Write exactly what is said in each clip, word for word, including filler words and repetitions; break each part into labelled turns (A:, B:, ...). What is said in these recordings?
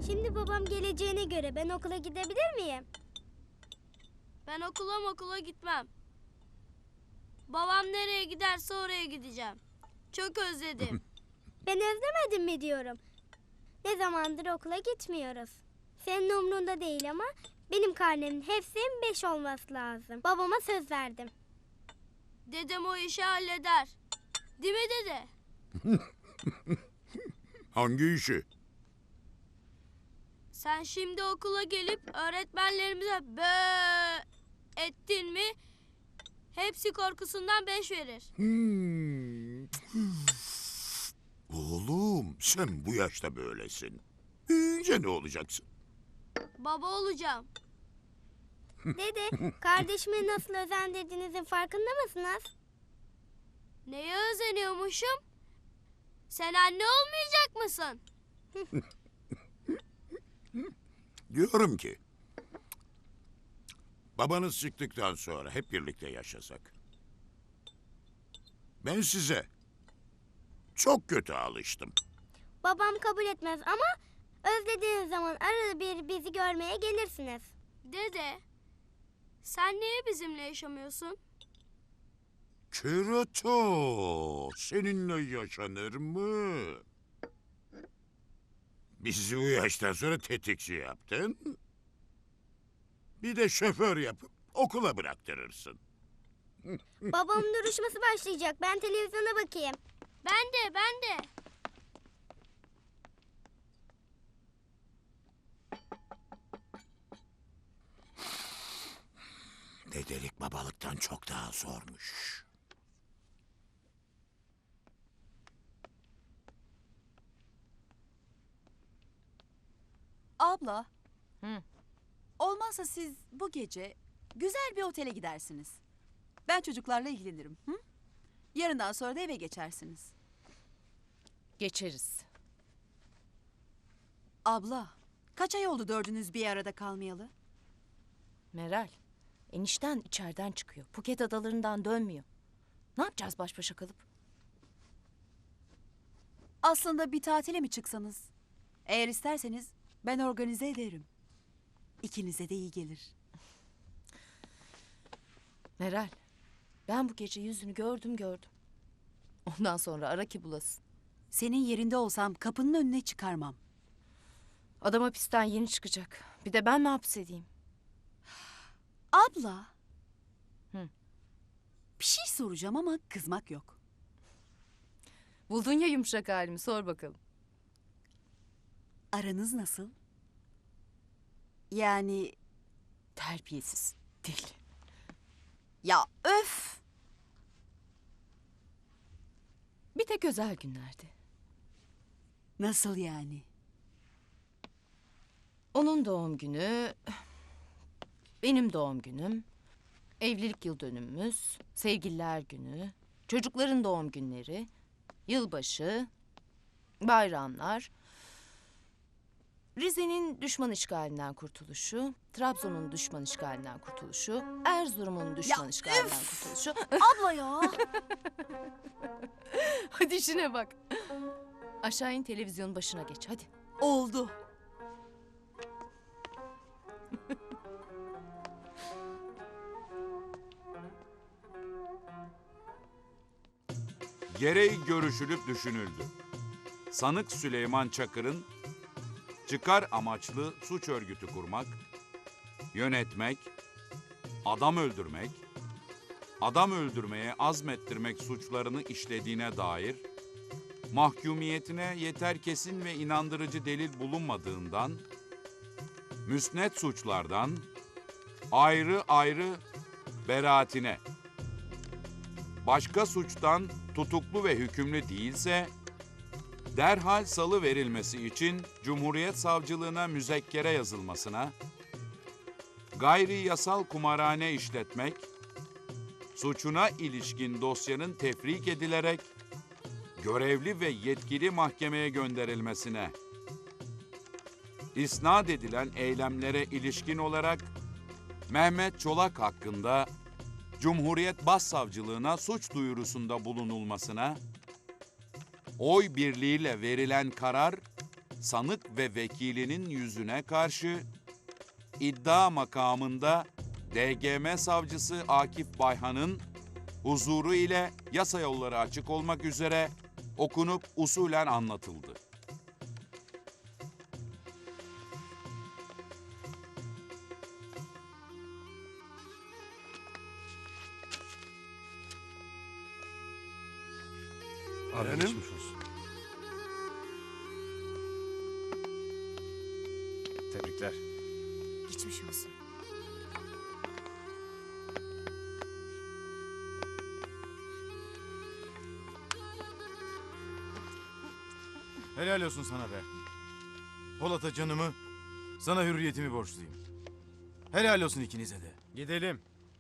A: Şimdi babam geleceğine göre ben okula gidebilir miyim?
B: Ben okula okula gitmem. Babam nereye giderse oraya gideceğim. Çok özledim.
A: Ben özlemedim mi diyorum. Ne zamandır okula gitmiyoruz. Senin umrunda değil ama benim karnemin hepsinin beş olması lazım. Babama söz verdim.
B: Dedem o işi halleder. Değil mi dede?
C: Hangi işi?
B: Sen şimdi okula gelip öğretmenlerimize bö ettin mi hepsi korkusundan beş verir.
C: Hmm. Oğlum sen bu yaşta böylesin. Büyüyünce ne olacaksın?
B: Baba olacağım.
A: Dede, kardeşimi nasıl özendirdiğinizin farkında mısınız?
B: Neye özeniyormuşum? Sen anne olmayacak mısın?
C: Diyorum ki... Babanız çıktıktan sonra hep birlikte yaşasak. Ben size çok kötü alıştım.
A: Babam kabul etmez ama özlediğiniz zaman arada bir bizi görmeye gelirsiniz.
B: Dede, sen niye bizimle yaşamıyorsun?
C: Kerato, seninle yaşanır mı? Bizi bu yaştan sonra tetikçi yaptın. Bir de şoför yapıp okula bıraktırırsın.
A: Babamın duruşması başlayacak. Ben televizyona bakayım.
B: Ben de, ben de.
C: Dedelik babalıktan çok daha zormuş.
D: Abla. Hı. Olmazsa siz bu gece güzel bir otele gidersiniz. Ben çocuklarla ilgilenirim. Hı? Yarından sonra da eve geçersiniz.
E: Geçeriz.
D: Abla, kaç ay oldu dördünüz bir arada kalmayalı?
E: Meral, enişten içeriden çıkıyor. Phuket adalarından dönmüyor. Ne yapacağız baş başa kalıp?
D: Aslında bir tatile mi çıksanız? Eğer isterseniz ben organize ederim. İkinize de iyi gelir.
E: Meral, ben bu gece yüzünü gördüm gördüm. Ondan sonra ara ki bulasın.
D: Senin yerinde olsam kapının önüne çıkarmam.
E: Adam hapisten yeni çıkacak. Bir de ben mi hapsedeyim?
D: Abla.
E: Hı.
D: Bir şey soracağım ama kızmak yok.
E: Buldun ya yumuşak halimi, sor bakalım.
D: Aranız nasıl? Yani
E: Terbiyesiz, deli.
D: ya öf.
E: Bir tek özel günlerde.
D: Nasıl yani?
E: Onun doğum günü, benim doğum günüm, evlilik yıl dönümümüz, sevgililer günü, çocukların doğum günleri, yılbaşı, bayramlar, Rize'nin düşman işgalinden kurtuluşu, Trabzon'un düşman işgalinden kurtuluşu, Erzurum'un düşman
D: Ya
E: işgalinden
D: üf!
E: kurtuluşu.
D: Abla ya.
E: Hadi işine bak. Aşağı in, televizyonun başına geç hadi.
D: Oldu.
F: Gereği görüşülüp düşünüldü. Sanık Süleyman Çakır'ın çıkar amaçlı suç örgütü kurmak, yönetmek, adam öldürmek, adam öldürmeye azmettirmek suçlarını işlediğine dair mahkumiyetine yeter kesin ve inandırıcı delil bulunmadığından müsnet suçlardan ayrı ayrı beraatine, başka suçtan tutuklu ve hükümlü değilse derhal salı verilmesi için Cumhuriyet Savcılığına müzekkere yazılmasına, gayri yasal kumarhane işletmek, suçuna ilişkin dosyanın tefrik edilerek görevli ve yetkili mahkemeye gönderilmesine, isnat edilen eylemlere ilişkin olarak Mehmet Çolak hakkında Cumhuriyet Başsavcılığına suç duyurusunda bulunulmasına, oy birliğiyle verilen karar sanık ve vekilinin yüzüne karşı iddia makamında D G M savcısı Akif Bayhan'ın huzuru ile yasa yolları açık olmak üzere okunup usulen anlatıldı.
G: Abi
C: Benim?
G: geçmiş olsun. Tebrikler.
E: Geçmiş olsun.
G: Helal olsun sana be. Polat'a canımı, sana hürriyetimi borçluyum. Helal olsun ikinize de. Gidelim.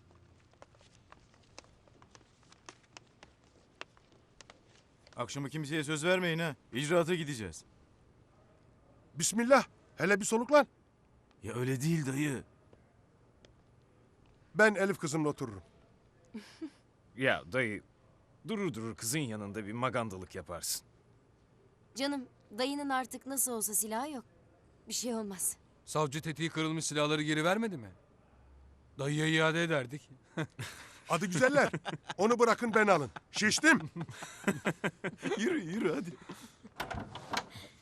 G: Akşama kimseye söz vermeyin ha. İcraata gideceğiz.
H: Bismillah. Hele bir soluklan.
G: Ya öyle değil dayı.
H: Ben Elif kızımla otururum.
I: Ya dayı, durur durur kızın yanında bir magandalık yaparsın.
J: Canım, dayının artık nasıl olsa silahı yok. Bir şey olmaz.
K: Savcı tetiği kırılmış silahları geri vermedi mi? Dayıya iade ederdik.
H: Adı güzeller. Onu bırakın ben alın. Şiştim.
G: Yürü yürü hadi.